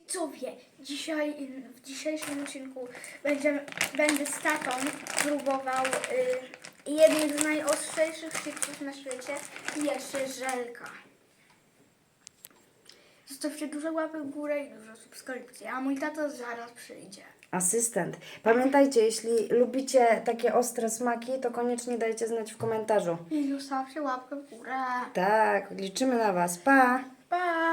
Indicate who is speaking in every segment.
Speaker 1: Widzowie, w dzisiejszym odcinku będę z tatą próbował jednych z najostrzejszych chipsów na świecie i jeszcze żelka. Zostawcie dużo łapek w górę i dużo subskrypcji, a mój tato zaraz przyjdzie.
Speaker 2: Asystent. Pamiętajcie, jeśli lubicie takie ostre smaki, to koniecznie dajcie znać w komentarzu.
Speaker 1: I zostawcie łapkę w górę.
Speaker 2: Tak, liczymy na Was. Pa!
Speaker 1: Pa!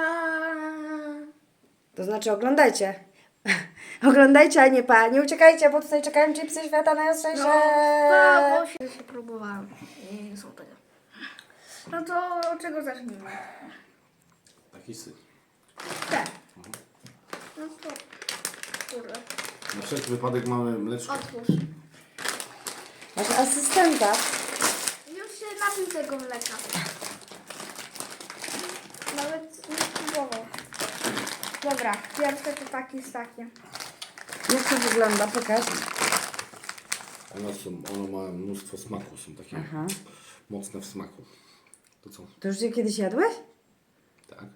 Speaker 2: To znaczy oglądajcie. Oglądajcie, a nie pa. Nie uciekajcie, bo tutaj czekają chipsy świata najostrzejsze.
Speaker 1: Pa, bo się próbowałem i nie są tego. No to od czego zacznijmy?
Speaker 3: Taki syf.
Speaker 1: Te. No to, kurde,
Speaker 3: Na wszelki wypadek mamy mleczko.
Speaker 1: otwórz.
Speaker 2: Masz asystenta.
Speaker 1: Już się napił tego mleka. Nawet nie spróbował. Dobra, pierwsze to taki z takim.
Speaker 2: Jak to wygląda? Pokaż.
Speaker 3: One ma mnóstwo smaku, są takie
Speaker 2: Aha.
Speaker 3: mocne w smaku. To co?
Speaker 2: To już je kiedyś jadłeś?
Speaker 3: Tak?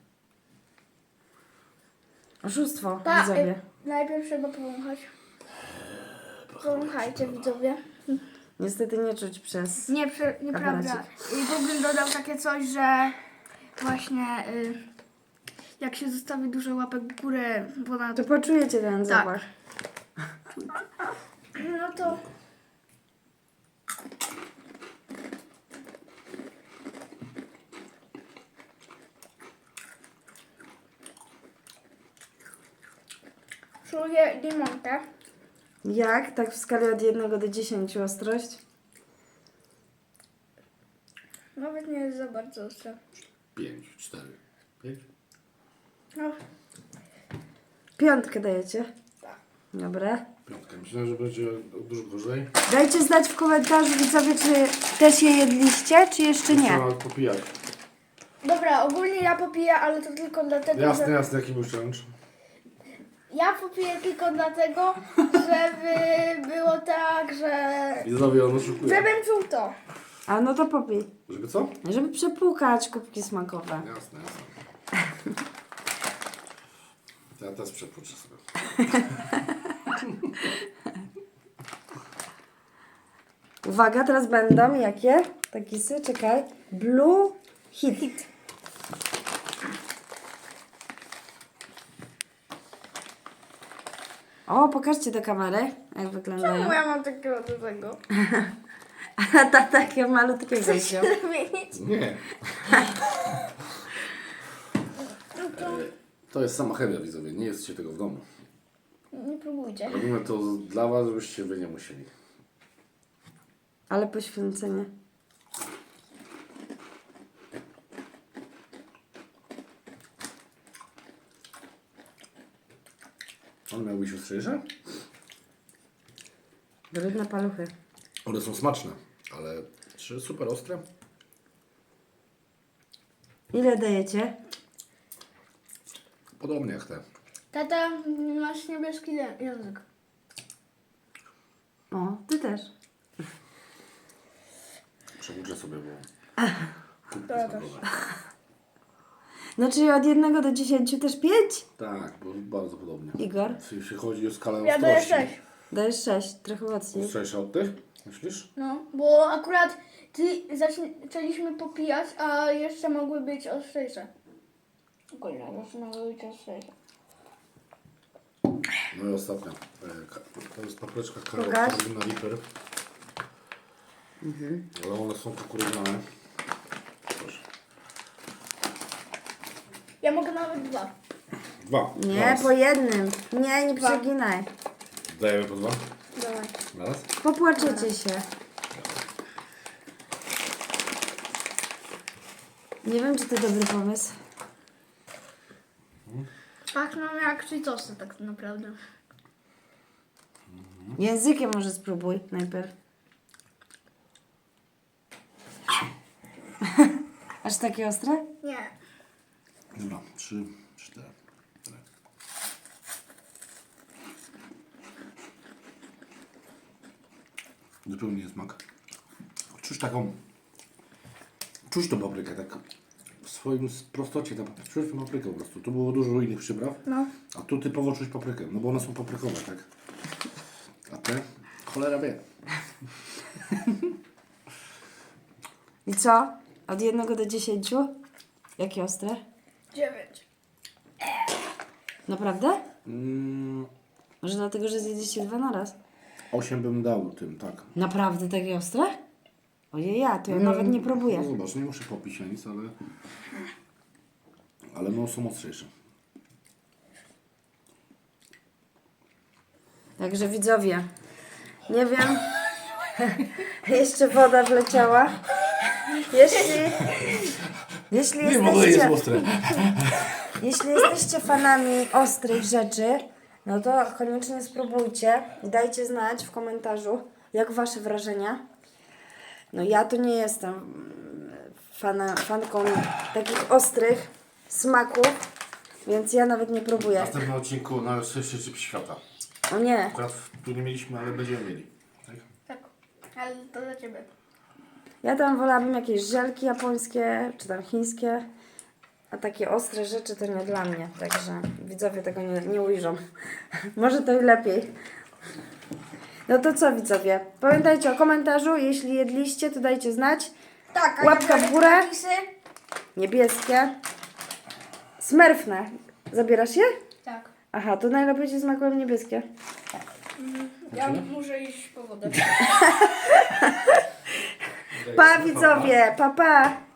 Speaker 2: Oszustwo,
Speaker 1: Ta,
Speaker 2: widzowie.
Speaker 1: najpierw trzeba powąchać. Powąchajcie, widzowie.
Speaker 2: Niestety nie czuć przez...
Speaker 1: Nieprawda.
Speaker 2: Aparacik.
Speaker 1: I Google dodał takie coś, że właśnie jak się zostawi dużo łapek w górę ponad...
Speaker 2: To poczujecie ten zapach.
Speaker 1: No to... Czuję limonkę.
Speaker 2: Jak? Tak w skali od 1 do 10 ostrość?
Speaker 1: Nawet nie jest za bardzo ostre.
Speaker 3: 5, 4, 5.
Speaker 1: No,
Speaker 2: 5 dajecie?
Speaker 1: tak.
Speaker 2: Dobra.
Speaker 3: Piątka. Myślę, że będzie dużo gorzej.
Speaker 2: Dajcie znać w komentarzu, widzowie, czy też je jedliście, czy jeszcze nie.
Speaker 3: Trzeba popijać.
Speaker 1: Dobra, ogólnie ja popiję, ale to tylko dlatego,
Speaker 3: Jasne,
Speaker 1: że...
Speaker 3: jasne, jaki był challenge.
Speaker 1: Ja popiję tylko dlatego, żeby było tak, że...
Speaker 3: Widzowie, on oszukuje.
Speaker 1: Żebym czuł to.
Speaker 2: A no to popij.
Speaker 3: Żeby co?
Speaker 2: Żeby przepłukać kubki smakowe.
Speaker 3: Jasne, jasne. Ja teraz przepłuczę sobie.
Speaker 2: Uwaga, teraz będą jakie? Takisy, czekaj. Blue Hit. O, pokażcie do kamery, jak wyglądają.
Speaker 1: Czemu ja mam takiego dużego?
Speaker 2: A ta takiego malutkiego wziął.
Speaker 1: Zmienić?
Speaker 3: Nie. To jest sama chemia, widzowie. Nie jedzcie tego w domu.
Speaker 1: Nie próbujcie.
Speaker 3: Robimy to dla was, żebyście wy nie musieli.
Speaker 2: Ale poświęcenie.
Speaker 3: On miał być ostrzejsze?
Speaker 2: Brudne paluchy.
Speaker 3: One są smaczne, ale czy super ostre?
Speaker 2: Ile dajecie?
Speaker 3: Podobnie jak te.
Speaker 1: Tata, masz niebieski język.
Speaker 2: O, ty też.
Speaker 3: Przewódźę sobie, bo...
Speaker 1: To ja też.
Speaker 2: No czyli od 1 do 10 też 5?
Speaker 3: Tak, bo bardzo podobnie.
Speaker 2: Igor?
Speaker 3: Jeśli chodzi o skalę
Speaker 1: Ja daję
Speaker 3: ostrości.
Speaker 1: 6.
Speaker 2: Dajesz 6, trochę mocniej.
Speaker 3: Ostrzejsze od tych? Myślisz?
Speaker 1: No, bo akurat zaczęliśmy popijać, a jeszcze mogły być ostrzejsze. Ogólnie, jeszcze mogły być ostrzejsze.
Speaker 3: No i ostatnia. To jest papryczka
Speaker 2: Pokaż.
Speaker 3: Carolina Reaper. Ale one są kukurydziane. Proszę.
Speaker 1: Ja mogę nawet 2.
Speaker 3: 2.
Speaker 2: Nie, po jednym. Nie przeginaj.
Speaker 3: Dajemy po 2.
Speaker 1: Dawaj.
Speaker 3: Raz.
Speaker 2: Popłaczecie się. Nie wiem, czy to dobry pomysł.
Speaker 1: Pachną jak Cheetosy tak naprawdę.
Speaker 2: Językiem może spróbuj najpierw. Aż takie ostre?
Speaker 1: Nie.
Speaker 3: Dobra, 3, 4. Zupełnie nie smak. Czuć taką... Czuć tą paprykę, tak swoim prostocie, tam czułem paprykę po prostu. Tu było dużo innych przypraw,
Speaker 2: No.
Speaker 3: a tu typowo czuć paprykę, no bo one są paprykowe, tak? A te? Cholera wie.
Speaker 2: I co? Od 1 do 10? Jakie ostre?
Speaker 1: 9.
Speaker 2: Naprawdę?
Speaker 3: Mm,
Speaker 2: Może dlatego, że zjedliście 2 na raz?
Speaker 3: 8 bym dał tym, tak.
Speaker 2: Naprawdę takie ostre? Ojej, to ja nawet nie próbuję.
Speaker 3: No zobacz, nie muszę popić na nic, ale no są ostrzejsze.
Speaker 2: Także widzowie, nie wiem, jeszcze woda wleciała. Jeśli jesteście,
Speaker 3: ostre.
Speaker 2: jeśli jesteście fanami ostrych rzeczy, no to koniecznie spróbujcie i dajcie znać w komentarzu, jak wasze wrażenia. No ja to nie jestem fanką takich ostrych smaków, więc ja nawet nie
Speaker 3: W
Speaker 2: próbuję.
Speaker 3: następnym odcinku najostrzejszy chip świata.
Speaker 2: O nie,
Speaker 3: Akurat tu nie mieliśmy, ale będziemy mieli. Tak?
Speaker 1: Tak, ale to dla Ciebie.
Speaker 2: ja tam wolałabym jakieś żelki japońskie, czy tam chińskie, a takie ostre rzeczy to nie dla mnie, także widzowie tego nie ujrzą. Może to i lepiej. No to co widzowie, pamiętajcie o komentarzu, jeśli jedliście to dajcie znać.
Speaker 1: Tak,
Speaker 2: Łapka w górę.
Speaker 1: napisy.
Speaker 2: Niebieskie. Smerfne. Zabierasz je?
Speaker 1: Tak.
Speaker 2: Aha, to najlepiej ci smakują niebieskie.
Speaker 1: Ja muszę iść po wodę.
Speaker 2: Pa widzowie, pa pa!